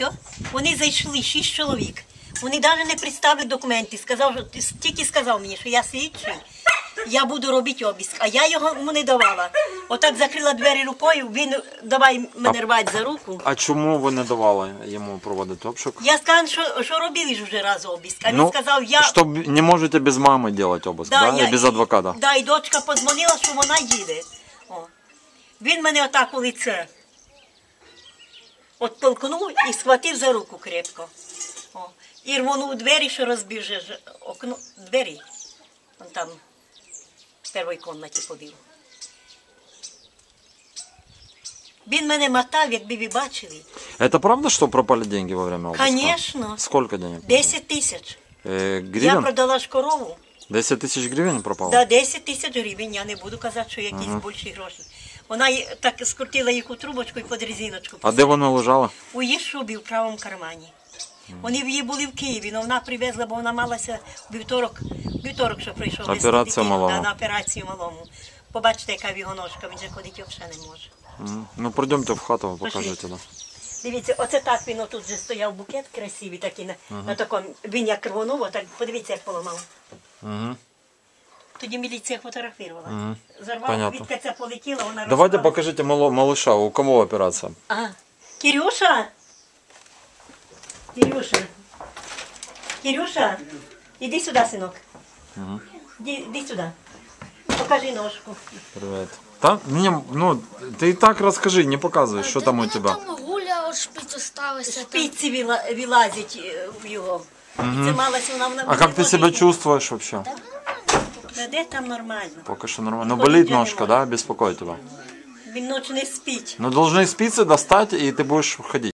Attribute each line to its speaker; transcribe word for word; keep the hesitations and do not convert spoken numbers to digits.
Speaker 1: Все. Вони зайшли, шість чоловік. Вони навіть не представили документи. Сказав, тільки сказав мені, що я слідчий, я буду робити обіск. А я йому не давала. Отак закрила двері рукою, він давай мене рвати за руку.
Speaker 2: А чому ви не давали йому проводити обшук?
Speaker 1: Я сказала, що, що робили ж вже раз обіск. А він
Speaker 2: ну,
Speaker 1: сказав, я...
Speaker 2: Що не можете без мами робити обиск, да, да?
Speaker 1: Я...
Speaker 2: І без адвоката?
Speaker 1: Да, і дочка подзвонила, що вона їде. О. Він мене отак у лице оттолкнув і схватив за руку крепко. О. І рвонув двері, що розбив же окно, двері. Он там в першій кімнаті ходив. Він мене мотав, якби ви бачили.
Speaker 2: Это правда, что пропали деньги во время обыска?
Speaker 1: Конечно.
Speaker 2: Сколько денег?
Speaker 1: десять тисяч.
Speaker 2: Э, гривен?
Speaker 1: Я продала ж корову.
Speaker 2: десять тысяч гривен пропало?
Speaker 1: Да, десять тисяч гривень. Я не буду казати, що якісь uh-huh. більші гроші. Вона так скрутила їх у трубочку і під резиночку.
Speaker 2: А де вона лежала?
Speaker 1: У її шубі, в правому кармані. Вони її були в Києві, але вона привезла, бо вона малася в вівторок, вівторок, що прийшов.
Speaker 2: Операцію малому.
Speaker 1: Да, на операцію малому. Побачите, яка в його ножка, він же ходити взагалі не може.
Speaker 2: Mm. Ну, пройдемте в хату, покажете. Да.
Speaker 1: Дивіться, оце так він отут же стояв букет красивий, такий, на, uh-huh. на такому, він як рвонув, так подивіться, як поламав. Uh-huh. Тоді міліція фотографувала. Uh-huh. Зарвала, квітка ця полетіла, вона
Speaker 2: Давайте
Speaker 1: розпала.
Speaker 2: покажите мало, малыша, у кого операция?
Speaker 1: Ага. Кирюша? Кирюша? Кирюша? Иди сюда, сынок.
Speaker 2: Угу.
Speaker 1: Иди, иди сюда. Покажи ножку.
Speaker 2: Привет. Та, не, ну, ты и так расскажи, не показывай, что там у тебя.
Speaker 3: Там гуля шпиць осталася.
Speaker 1: Шпиці вила- вилазять в його.
Speaker 2: Угу.
Speaker 1: І це малася вона в
Speaker 2: А как ты себя чувствуешь вообще?
Speaker 1: Да де там нормально?
Speaker 2: Пока что нормально. Но болит ножка, да, беспокоит тебя?
Speaker 1: Він ночі не спить.
Speaker 2: Но должны спицы достать, и ты будешь ходить.